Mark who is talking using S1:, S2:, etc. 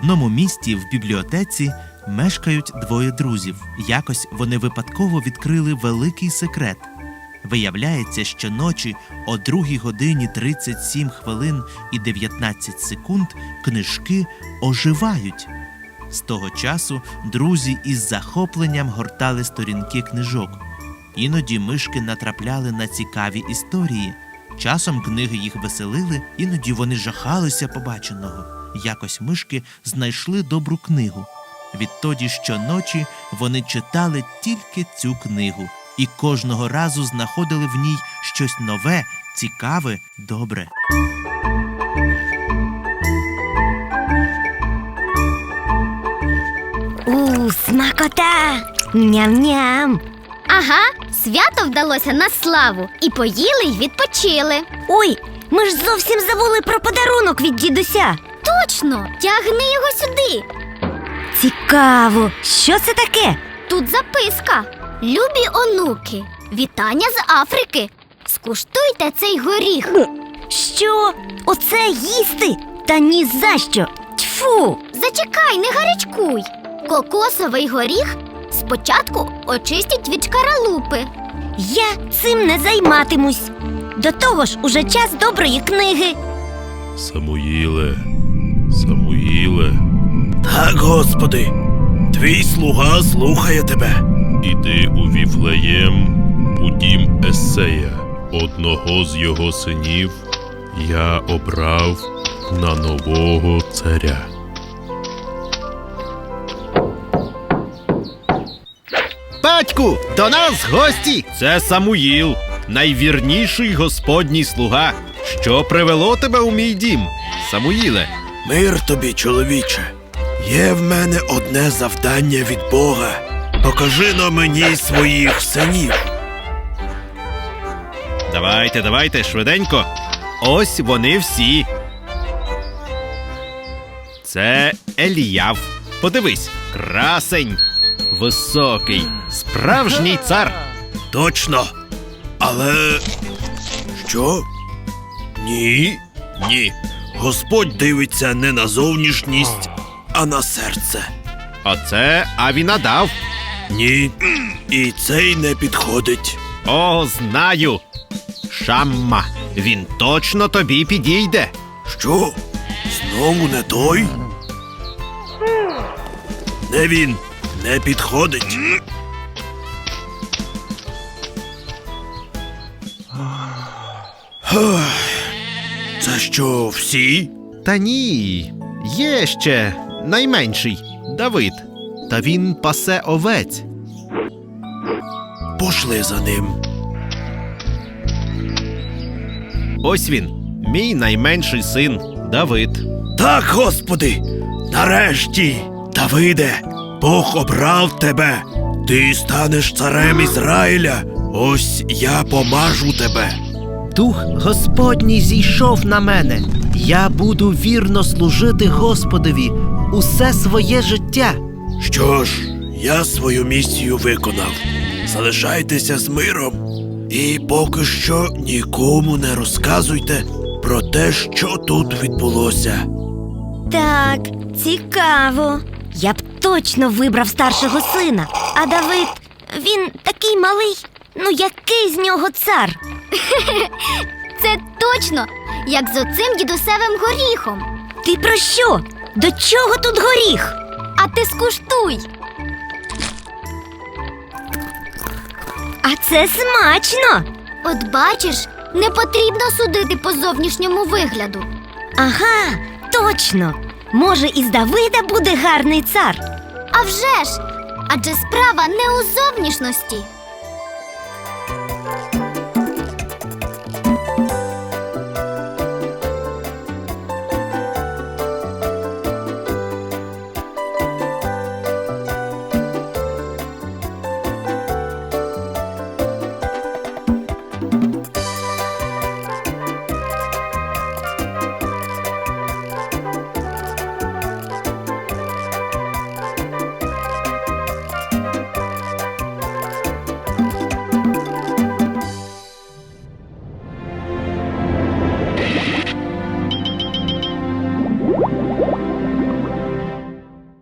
S1: одному місті в бібліотеці мешкають двоє друзів. Якось вони випадково відкрили великий секрет. Виявляється, що ночі о 2 годині 37 хвилин і 19 секунд книжки оживають. З того часу друзі із захопленням гортали сторінки книжок. Іноді мишки натрапляли на цікаві історії. Часом книги їх веселили, іноді вони жахалися побаченого. Якось мишки знайшли добру книгу. Відтоді щоночі вони читали тільки цю книгу. І кожного разу знаходили в ній щось нове, цікаве, добре.
S2: Смакота! Ням-ням!
S3: Ага, свято вдалося на славу. І поїли, й відпочили.
S2: Ой, ми ж зовсім забули про подарунок від дідуся.
S3: Точно, тягни його сюди.
S2: Цікаво, що це таке?
S3: Тут записка. Любі онуки, вітання з Африки. Скуштуйте цей горіх.
S2: Що? Оце їсти? Та ні за що! Тьфу!
S3: Зачекай, не гарячкуй. Кокосовий горіх спочатку очистять від шкаралупи.
S2: Я цим не займатимусь. До того ж, уже час доброї книги.
S4: Самуїле, Самуїле,
S5: Так, Господи, твій слуга слухає тебе.
S4: іди у Віфлеєм, у дім Есея. Одного з його синів я обрав на нового царя.
S6: Батьку, до нас гості! Це Самуїл, найвірніший Господній слуга. Що привело тебе у мій дім, Самуїле?
S5: Мир тобі, чоловіче. Є в мене одне завдання від Бога. Покажи на мені своїх синів.
S6: Давайте, швиденько. Ось вони всі. Це Еліяв. Подивись, красень, високий, справжній цар.
S5: Точно. Але... Що? Ні. Господь дивиться не на зовнішність, а на серце.
S6: А це Авінадав.
S5: Ні. І цей не підходить.
S6: О, знаю. Шамма. Він точно тобі підійде.
S5: Що? Знову не той? Не він. Не підходить. Це що, всі?
S6: Та ні, є ще найменший Давид. Та він пасе овець.
S5: Пошли за ним.
S6: Ось він, мій найменший син Давид.
S5: Так, Господи, нарешті, Давиде, Бог обрав тебе. Ти станеш царем Ізраїля. Ось я помажу тебе.
S7: Дух Господній зійшов на мене. Я буду вірно служити Господові усе своє життя.
S5: Що ж, я свою місію виконав. Залишайтеся з миром. І поки що нікому не розказуйте про те, що тут відбулося.
S2: Так, цікаво. Я б точно вибрав старшого сина. А Давид, він такий малий. Ну який з нього цар?
S3: Це точно, як з оцим дідусевим горіхом.
S2: Ти про що? До чого тут горіх?
S3: А ти скуштуй.
S2: А це смачно.
S3: От бачиш, не потрібно судити по зовнішньому вигляду.
S2: Ага, точно. Може, із Давида буде гарний цар.
S3: А вже ж! Адже справа не у зовнішності.